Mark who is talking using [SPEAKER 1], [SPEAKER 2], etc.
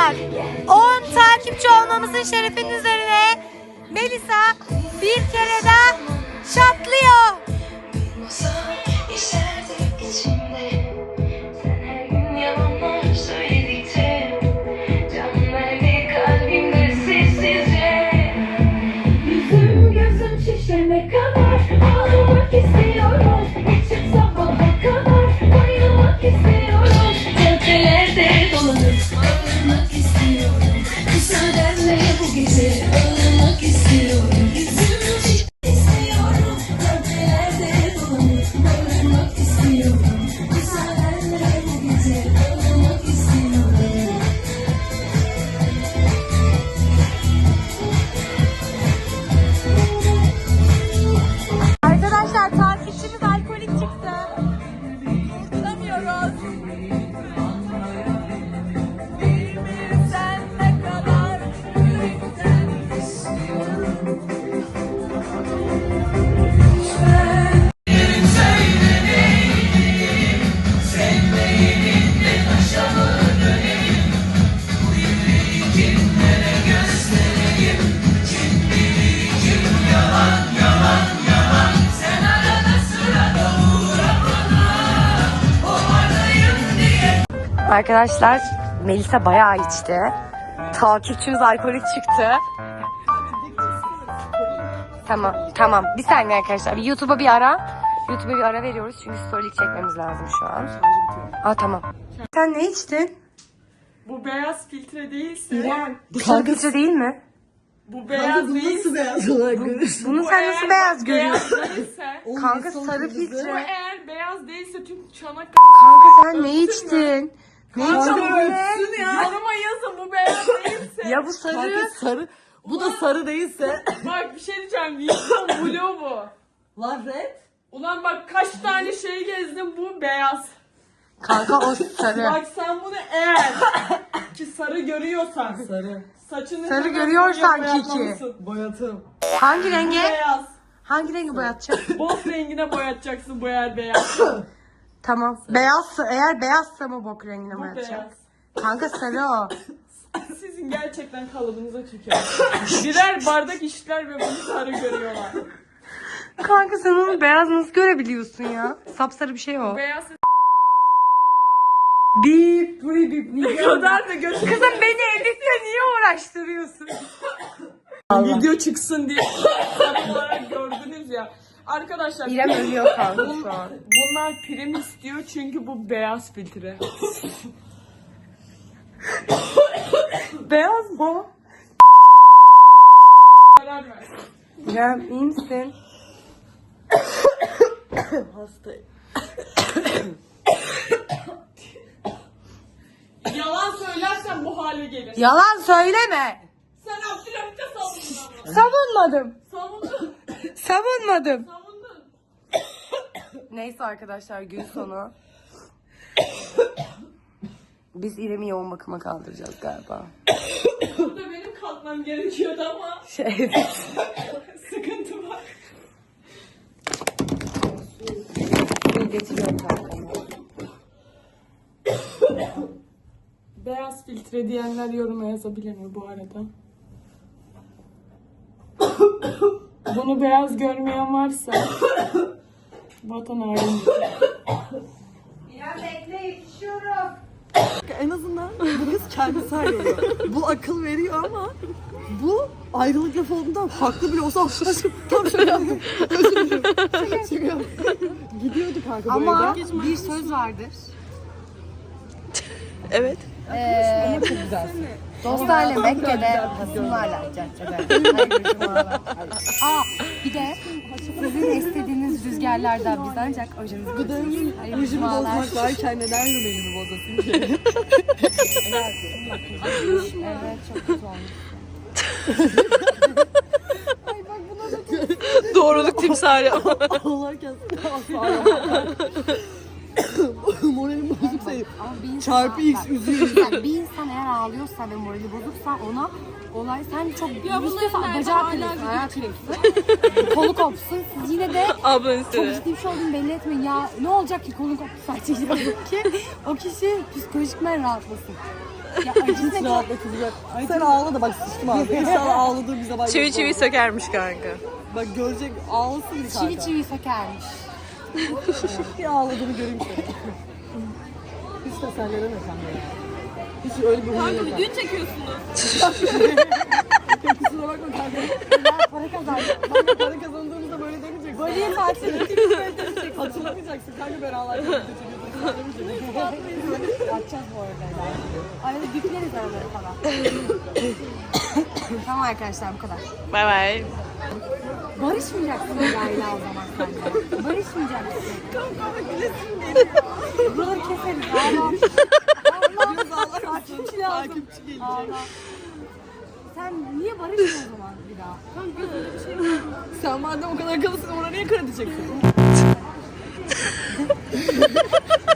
[SPEAKER 1] arkadaşlar 10 takipçi olmamızın şerefinin üzerine Melisa bir kere daha şatlıyor.
[SPEAKER 2] Ne kadar ağlamak istiyorum, içim sabaha kadar bayılmak istiyorum, caddelerde dolanıp ağlamak istiyorum, müsaadenle bu gece ağlamak istiyorum, yüzümü istiyorum, caddelerde dolanıp ağlamak istiyorum, müsaadenle bu gece ağlamak istiyorum.
[SPEAKER 1] Arkadaşlar takipçimiz alkolik çıktı. Kurtulamıyoruz. Bilmirsen ne kadar yürekten istiyorum. Arkadaşlar Melisa bayağı içti. Takipçimiz alkolik çıktı. Tamam. Bir saniye arkadaşlar. YouTube'a bir ara veriyoruz çünkü storylik çekmemiz lazım şu an. Tamam. Sen ne içtin?
[SPEAKER 3] Bu beyaz filtre değilse,
[SPEAKER 1] İrem. Bu filtre değil mi?
[SPEAKER 3] bu beyaz değilse,
[SPEAKER 4] beyaz olarak görürsün?
[SPEAKER 1] Bunu
[SPEAKER 3] bu
[SPEAKER 1] sen
[SPEAKER 3] eğer
[SPEAKER 1] nasıl
[SPEAKER 3] bak
[SPEAKER 1] beyaz görüyorsun?
[SPEAKER 3] beyaz değilse,
[SPEAKER 1] Kanka sarı
[SPEAKER 3] bu
[SPEAKER 1] filtre.
[SPEAKER 3] eğer beyaz değilse tüm Çanakkale
[SPEAKER 1] Kanka sen ne içtin? Ne içtin bu ne?
[SPEAKER 3] yoruma yazın bu beyaz değilse.
[SPEAKER 1] Ya bu sarı.
[SPEAKER 4] Kanka sarı. Bu da sarı değilse.
[SPEAKER 3] Bak bir şey diyeceğim, Wilson Blue bu.
[SPEAKER 4] Lan red.
[SPEAKER 3] Ulan bak kaç tane şey gezdim, bu beyaz.
[SPEAKER 1] Kanka o sarı.
[SPEAKER 3] Bak sen bunu eğer ki sarı görüyorsan,
[SPEAKER 4] Sarı.
[SPEAKER 3] saçını
[SPEAKER 1] Sarı
[SPEAKER 3] hemen
[SPEAKER 1] görüyorsan
[SPEAKER 3] boya
[SPEAKER 1] ki.
[SPEAKER 3] boyatmalısın.
[SPEAKER 4] Boyatım.
[SPEAKER 1] Hangi
[SPEAKER 3] Bu
[SPEAKER 1] rengi?
[SPEAKER 3] beyaz.
[SPEAKER 1] Hangi rengi boyatacak?
[SPEAKER 3] Bok rengine boyatacaksın bu eğer beyaz.
[SPEAKER 1] Tamam. Beyazsa eğer beyazsa mı bok rengine
[SPEAKER 3] Bu
[SPEAKER 1] boyatacak?
[SPEAKER 3] beyaz.
[SPEAKER 1] Kanka sarı o.
[SPEAKER 3] Sizin gerçekten kalıbınıza tükürüyor. Birer bardak içtiler ve bunu sarı görüyorlar.
[SPEAKER 1] Kanka sen onu beyaz nasıl görebiliyorsun ya? Sapsarı bir şey o.
[SPEAKER 3] Beyaz
[SPEAKER 1] Bip bip
[SPEAKER 3] ne kadar da götür.
[SPEAKER 1] Kızım beni editle niye uğraştırıyorsun?
[SPEAKER 3] Video çıksın diye sarı olarak gördünüz ya. Arkadaşlar
[SPEAKER 1] İrem ölüyor kanka şu an.
[SPEAKER 3] bunlar prim istiyor çünkü bu beyaz filtre.
[SPEAKER 1] Beyaz mı?
[SPEAKER 3] Karar ver.
[SPEAKER 1] İrem iyi misin?
[SPEAKER 4] Hastayım.
[SPEAKER 3] Yalan söylersen bu hale gelir.
[SPEAKER 1] Yalan söyleme.
[SPEAKER 3] Sen Abdülhamit'e savundun ama.
[SPEAKER 1] Savunmadım.
[SPEAKER 3] Savundun.
[SPEAKER 1] Savunmadım.
[SPEAKER 3] Savundun.
[SPEAKER 1] Neyse arkadaşlar gün sonu. Biz İrem'i yoğun bakıma kaldıracağız galiba.
[SPEAKER 3] Burada benim kalkmam gerekiyordu ama sıkıntı var.
[SPEAKER 1] Getiriyorum kanka.
[SPEAKER 3] Beyaz filtre diyenler yoruma yazabilir mi bu arada? Bunu beyaz görmeyen varsa vatan haini.
[SPEAKER 1] İrem bekle yetişiyorum.
[SPEAKER 4] En azından bu kız kendisi ayrılıyor. Bu akıl veriyor ama bu ayrılık lafı olduğundan haklı bile olsa aşkım tam şöyle yaptım. Özür dilerim. Çıkıyor. Gidiyordu kanka bu
[SPEAKER 1] Ama
[SPEAKER 4] evden.
[SPEAKER 1] bir söz vardır.
[SPEAKER 4] Evet.
[SPEAKER 1] Çok güzel. Dostlarla Mekke'de hasımlarla caddede. Bir de sizin istediğiniz rüzgarlardan biz ancak ojemizi
[SPEAKER 4] Gıdağımın rujunu bozmak varken neden rümelimi bozasın ki?
[SPEAKER 1] Evet çok kötü olmuş.
[SPEAKER 4] Doğruluk timsali. Ağlarken moralim bozuk sayıp çarpı x üzüyor.
[SPEAKER 1] Bir insan eğer ağlıyorsa ve morali bozuksa ona olay sen çok istiyorsan bacağı kırılsın, ayağı kırılsın, kolu kopsun. Siz yine de çok ciddi bir şey olduğunu belli etmeyin. Ya ne olacak ki kolun koptu sadece ki o kişi psikolojikmen rahatlasın. Ya acısı
[SPEAKER 4] Hiç rahatlatılacak. Sen ağla da bak sıçtım ağzına. İnşallah ağladığım bir zaman.
[SPEAKER 5] Çivi çivi sökermiş kanka.
[SPEAKER 4] Bak görecek ağlasın bir kanka.
[SPEAKER 1] çivi çivi sökermiş.
[SPEAKER 4] Bir ağladığını göreyim seni. Hiç tasarlanır mı kanka ya? Hiç öyle bir huyun yok.
[SPEAKER 3] Video çekiyorsunuz.
[SPEAKER 4] Kusura bakma kanka.
[SPEAKER 1] Ben para kazandım.
[SPEAKER 4] Ben de para kazandığımızda böyle demeyeceksin.
[SPEAKER 1] Böyle tatil
[SPEAKER 4] Hatırlamayacaksın kanka ben ağlarken video çekiyorsun.
[SPEAKER 1] atacağız bu arada. Arada yükleriz araları falan. Tamam arkadaşlar bu kadar.
[SPEAKER 5] Bay bay.
[SPEAKER 1] Barışmayacaksın Leyla o zaman sen de. Barışmayacaksın. Buraları keseriz. Allah.
[SPEAKER 4] Biraz ağlar mısın? Takipçi gelecek.
[SPEAKER 1] Allah. Sen niye barışmıyorsun o zaman bir daha?
[SPEAKER 4] Sen madem o kadar akıllısın ona niye kredi çekiyorsun?